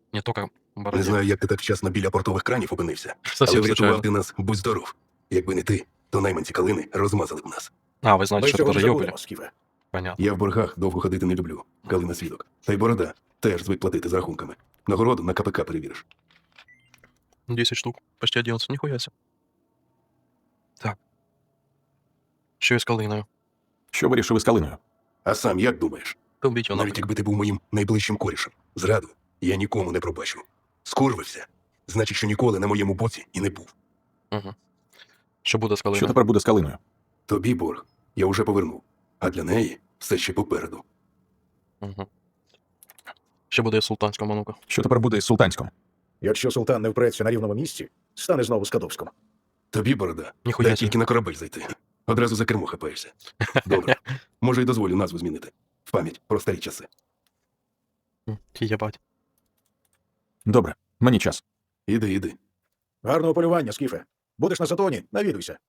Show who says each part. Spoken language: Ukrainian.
Speaker 1: Не только в
Speaker 2: Не
Speaker 1: бороде.
Speaker 2: знаю, як ти так вчасно біля портових кранів опинився,
Speaker 1: Совсем
Speaker 2: але врятував
Speaker 1: случайно.
Speaker 2: ти нас, будь здоров. Якби не ти, то найманці Калини розмазали б нас.
Speaker 1: А, вы знаете,
Speaker 3: Ми
Speaker 1: что это
Speaker 3: цього не
Speaker 1: тоже
Speaker 3: забудемо,
Speaker 1: ёбали?
Speaker 3: Скіфе.
Speaker 1: Понятно.
Speaker 2: Я в боргах довго ходити не люблю, Калина свідок. Та й борода теж звик платити з рахунками. Нагороду на КПК перевіриш.
Speaker 1: 10 штук. Почти 11. Нихуя себе. Так. Що із калиною?
Speaker 4: Що вирішили з калиною?
Speaker 2: А сам як думаєш?
Speaker 1: Та вбіть його
Speaker 2: Навіть
Speaker 1: нафиг.
Speaker 2: якби ти був моїм найближчим корішем, зраду я нікому не пробачу. Скурвився, значить, що ніколи на моєму боці і не був.
Speaker 1: Угу. Що буде з
Speaker 4: Що
Speaker 1: калиною?
Speaker 4: тепер буде з калиною?
Speaker 2: Тобі борг я вже повернув, а для неї все ще попереду.
Speaker 1: Угу. Що буде із султанськом, а ну-ка?
Speaker 4: Що тепер буде із султанськом?
Speaker 3: Якщо султан не впреться на рівному місці, стане знову Скадовськом.
Speaker 2: Тобі, борода,
Speaker 1: Ніхуя
Speaker 2: дай
Speaker 1: себе.
Speaker 2: тільки на корабель зайти. Одразу за кермо хапаєшся. Добре, може й дозволю назву змінити. В пам'ять про старі часи.
Speaker 1: Єбать.
Speaker 4: Добре, мені час.
Speaker 2: Іди.
Speaker 3: Гарного полювання, Скіфе. Будеш на Сатоні, навідуйся.